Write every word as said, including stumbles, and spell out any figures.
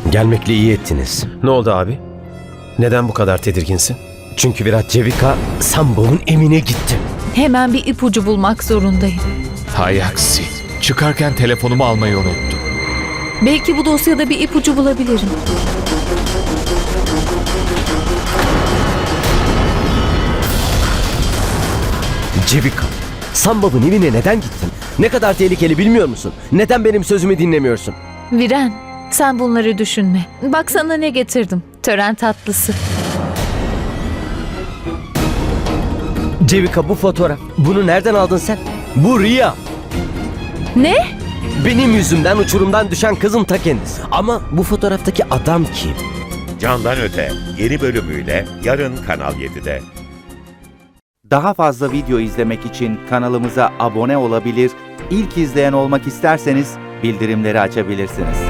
Gelmekle iyi ettiniz. Ne oldu abi? Neden bu kadar tedirginsin? Çünkü Virat Cevika Sambhav'ın evine gitti. Hemen bir ipucu bulmak zorundayım. Hay aksi. Çıkarken telefonumu almayı unuttum. Belki bu dosyada bir ipucu bulabilirim. Cevika, Sambhav'ın evine neden gittin? Ne kadar tehlikeli bilmiyor musun? Neden benim sözümü dinlemiyorsun? Viren, sen bunları düşünme. Bak sana ne getirdim. Tören tatlısı. Cevika, bu fotoğraf. Bunu nereden aldın sen? Bu Riya. Ne? Benim yüzümden uçurumdan düşen kızın ta kendisi. Ama bu fotoğraftaki adam kim? Candan Öte yeni bölümüyle yarın Kanal yedide. Daha fazla video izlemek için kanalımıza abone olabilir, ilk izleyen olmak isterseniz bildirimleri açabilirsiniz.